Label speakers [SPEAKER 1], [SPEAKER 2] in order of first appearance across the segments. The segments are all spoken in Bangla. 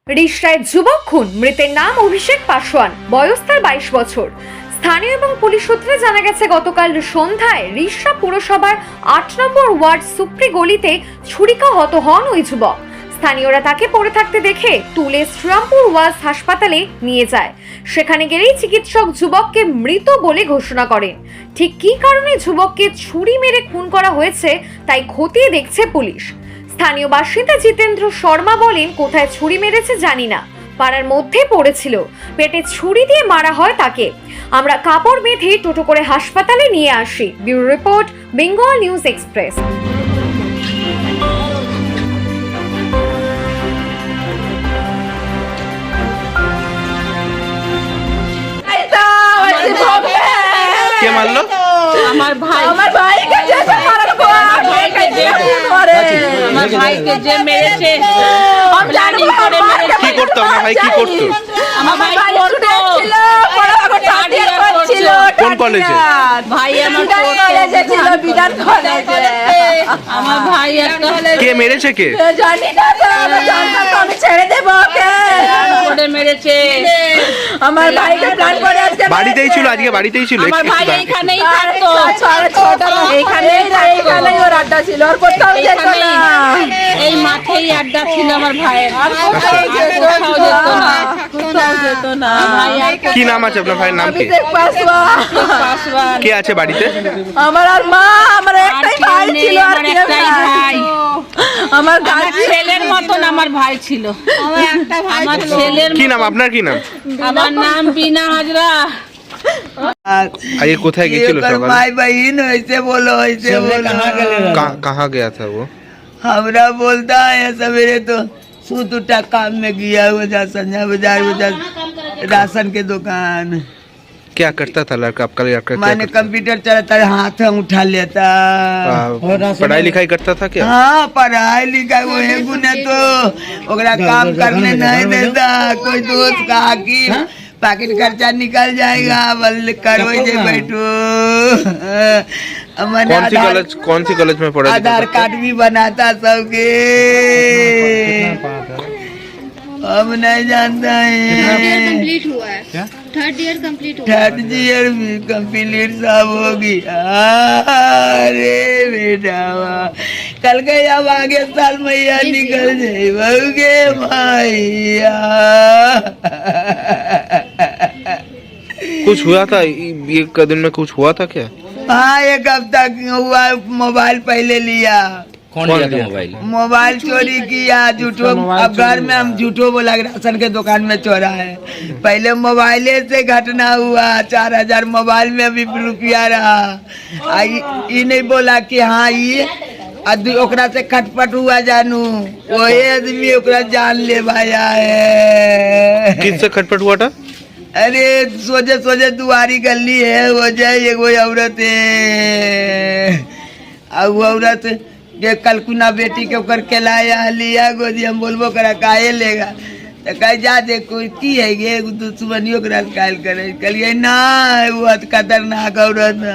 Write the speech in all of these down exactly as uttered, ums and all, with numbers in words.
[SPEAKER 1] রিষড়ায় যুবক খুন, মৃতের নাম অভিষেক পাসওয়ান, বয়স তার বাইশ বছর। স্থানীয় এবং পুলিশ সূত্রে জানা গেছে, গতকাল সন্ধ্যায় রিষড়া পুরসভার আট নম্বর ওয়ার্ড সুপ্রি গলিতে ছুরিকাহত হন ওই যুবক। স্থানীয়রা তাকে পড়ে থাকতে দেখে তুলে শ্রীরামপুর ওয়াজ হাসপাতালে নিয়ে যায়। সেখানে গেলেই চিকিৎসক যুবককে মৃত বলে ঘোষণা করেন। ঠিক কী কারণে যুবককে ছুরি মেরে খুন করা হয়েছে তাই খতিয়ে দেখছে পুলিশ। স্থানীয় বাসিন্দা জিতেন্দ্র শর্মা বলেন, কোথায় ছুরি মেরেছে জানি না, পাড়ার মধ্যে পড়েছিল, পেটে ছুরি দিয়ে মারা হয় তাকে। আমরা কাপড় বেঁধে টোটো করে হাসপাতালে নিয়ে আসি। Bureau report, Bengal news express.
[SPEAKER 2] কে মারলো?
[SPEAKER 3] আমার ভাই।
[SPEAKER 4] আমার ভাইকে যে মারার পর ভাইকে যে করে
[SPEAKER 3] আমার ভাইকে যে মেরেছে,
[SPEAKER 4] আমি জানি
[SPEAKER 3] করে মেরেছে।
[SPEAKER 2] কি করতো আমার ভাই? কি করতো?
[SPEAKER 3] আমার ভাই পড়তো,
[SPEAKER 4] ছিল পড়াশোনা টাটিয়া করছিল।
[SPEAKER 2] কোন কলেজে?
[SPEAKER 3] ভাই আমার
[SPEAKER 4] বিধান কলেজে ছিল, বিধান কলেজে।
[SPEAKER 3] আমার ভাই একটা
[SPEAKER 2] কে মেরেছে? কে?
[SPEAKER 4] জানি না তো, আমি জানতাম তো, আমি ছেড়ে দেবো ওকে।
[SPEAKER 3] করে মেরেছে।
[SPEAKER 4] আমার ভাইকে প্ল্যান করে আজকে
[SPEAKER 2] বাড়িতেই ছিল? আজকে বাড়িতেই ছিল?
[SPEAKER 3] আমার ভাই এইখানেই থাকতো,
[SPEAKER 4] এইখানেই এইখানেই ওর আড্ডা ছিল, আর কোথাও যেত না।
[SPEAKER 3] এই মাঠেই আড্ডা ছিল আমার ভাইয়ের,
[SPEAKER 4] আর কোথাও যেত
[SPEAKER 3] কোথাও যেত না, কোথাও যেত না। ভাই আর
[SPEAKER 2] কি নাম আছে আপনার ভাইয়ের? নাম কি?
[SPEAKER 4] অভিষেক পাসওয়ান।
[SPEAKER 3] পাসওয়ান।
[SPEAKER 2] কে আছে বাড়িতে?
[SPEAKER 4] আমার আর মা, আমার
[SPEAKER 3] আর
[SPEAKER 4] একটাই
[SPEAKER 3] কেউ
[SPEAKER 4] ভাই
[SPEAKER 3] নেই,
[SPEAKER 4] ছিল, আর
[SPEAKER 3] আমার
[SPEAKER 4] কেউ
[SPEAKER 3] একটাই
[SPEAKER 4] নাই।
[SPEAKER 3] ভাই।
[SPEAKER 4] আমার
[SPEAKER 3] আমার
[SPEAKER 4] গাছি
[SPEAKER 3] ছেলের মতন আমার ভাই ছিল। আমার ছেলের
[SPEAKER 2] কি নাম আপনার? কি নাম?
[SPEAKER 3] আমার নাম বিনা হাজরা।
[SPEAKER 2] আজকে कोথায় গিয়েছিল সকালে?
[SPEAKER 5] भाई बहन ऐसे बोलो ऐसे बोलो।
[SPEAKER 2] कहाँ कहाँ गया था वो?
[SPEAKER 5] हमरा बोलता है सवेरे तो सूत उठा काम में गया हुआ जा संजय बाजार बाजार राशन के दुकान।
[SPEAKER 2] क्या करता था लड़का आपका? लड़का क्या
[SPEAKER 5] मैंने
[SPEAKER 2] करता?
[SPEAKER 5] कंप्यूटर चलाता हाथ में उठा लेता।
[SPEAKER 2] आ, पढ़ाई लिखाई करता था क्या?
[SPEAKER 5] हाँ पढ़ाई लिखाई वो है गुने तो ओकरा काम करने नहीं देता। कोई दोस्त कहा कि पैकेट खर्चा निकल जाएगा, बल करो जे बैठो। मैंने
[SPEAKER 2] कौन सी
[SPEAKER 5] आधार-
[SPEAKER 2] कॉलेज कौन सी कॉलेज में पढ़ा?
[SPEAKER 5] आधार कार्ड भी बनाता सबके। अब नहीं जानता है।
[SPEAKER 6] कंप्लीट हुआ है क्या? थर्ड ईयर कंप्लीट हुआ है।
[SPEAKER 5] थर्ड ईयर भी कंप्लीट सब हो गया। अरे बेटा वाह। कल के अब आगे साल मैया निकल जाए बहू के मैया।
[SPEAKER 2] कुछ हुआ था एक दिन में? कुछ हुआ था क्या?
[SPEAKER 5] हाँ एक हफ्ता हुआ। मोबाइल पहले लिया,
[SPEAKER 2] कौन लिया था मोबाइल?
[SPEAKER 5] मोबाइल चोरी किया झूठो। अब घर में हम झूठो बोला कि राशन के दुकान में चोरा है। पहले मोबाइले से घटना हुआ, चार हजार मोबाइल में भी रुपया रहा। आ ई ई नहीं बोला कि हाँ ये आदमी ओकरा से खटपट हुआ जानू, वही आदमी ओकरा जान ले भाया है।
[SPEAKER 2] किससे खटपट हुआ था?
[SPEAKER 5] अरे सोचे सोचे दुआरी गली है, वो जाए एगो औरत है। आ वो औरत के कलकुना बेटी के ऊपर के लाया लिया गोदी। हम बोलबो करा काहे लेगा तो कह जा दे कोई की है गे दुश्मनियों के रात कायल करे। कहलिए ना वो खतरनाक औरत है।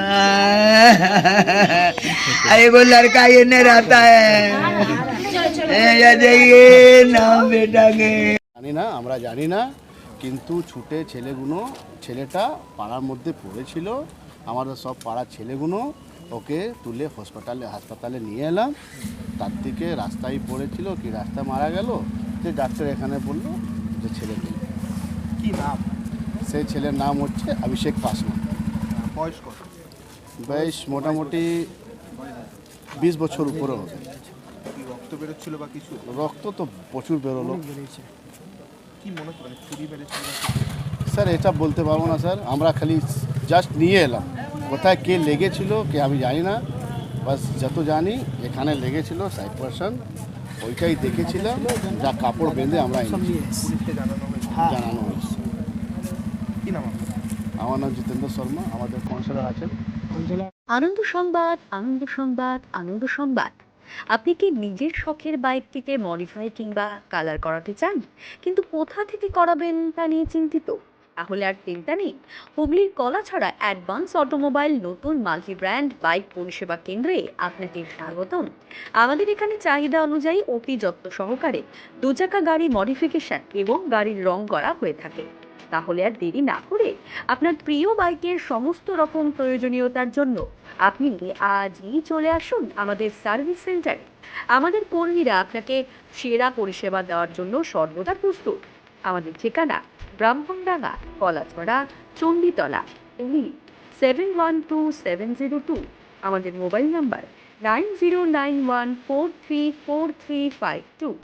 [SPEAKER 5] एगो लड़का ये नहीं रहता है या जाइए नाम बेटा के
[SPEAKER 7] জানি না, আমরা জানি না, কিন্তু ছুটে ছেলেগুলো, ছেলেটা পাড়ার মধ্যে পড়েছিল, আমাদের সব পাড়ার ছেলেগুলো ওকে তুলে হসপিটালে হাসপাতালে নিয়ে এলাম। তার থেকে রাস্তায় পড়েছিল, কি রাস্তায় মারা গেল, যে ডাক্তার এখানে বললো যে ছেলে নেই।
[SPEAKER 8] কি নাম?
[SPEAKER 7] সেই ছেলের নাম হচ্ছে অভিষেক পাসওয়ান।
[SPEAKER 8] বয়স কত?
[SPEAKER 7] বয়স মোটামুটি বিশ বছর উপরে হবে।
[SPEAKER 8] কি রক্ত বেরোচ্ছিল বা কিছু?
[SPEAKER 7] রক্ত তো প্রচুর বেরোলো।
[SPEAKER 8] কি মনে হচ্ছে মানে ছুরি মেরেছিল?
[SPEAKER 7] স্যার এটা বলতে পারবো না স্যার, আমরা খালি জাস্ট নিয়ে এলাম। কোথায় কে লেগেছিল কে আমি জানি না, বাস যত জানি এখানে লেগেছিল সাইড পার্সন, ওইটাই দেখেছিলাম, যা কাপড় বেঁধে আমরা এনেছি।
[SPEAKER 8] পুলিশকে জানানো হয়েছে?
[SPEAKER 7] জানানো হয়েছে।
[SPEAKER 8] কি নাম আপনার?
[SPEAKER 7] আমার নাম জিতেন্দ্র শর্মা, আমাদের কাউন্সিলর আছেন।
[SPEAKER 9] আনন্দ সংবাদ, আনন্দ সংবাদ, আনন্দ সংবাদ। আপনি কি নিজের শখের বাইকটিকে মডিফাই কিংবা কালার করাতে চান, কিন্তু কোথা থেকে করাবেন তা নিয়ে চিন্তিত? তাহলে আর চিন্তা নেই। হুগলির কলাছড়া অ্যাডভান্স অটোমোবাইল নতুন মাল্টি ব্র্যান্ড বাইক পরিষেবা কেন্দ্রে আপনাকে স্বাগতম। আমাদের এখানে চাহিদা অনুযায়ী অতি যত্ন সহকারে দু চাকা গাড়ি মডিফিকেশন এবং গাড়ির রং করা হয়ে থাকে। তাহলে আর দেরি না করে আপনার প্রিয় বাইকের সমস্ত রকম প্রয়োজনীয়তার জন্য আপনি আজই চলে আসুন আমাদের সার্ভিস সেন্টারে। আমাদের কর্মীরা আপনাকে সেরা পরিষেবা দেওয়ার জন্য সর্বদা প্রস্তুত। আমাদের ঠিকানা Brahmandanga, Kalachhara, Chanditala, Hooghly seven one two seven zero two. আমাদের mobile number nine zero nine one four three four three five two.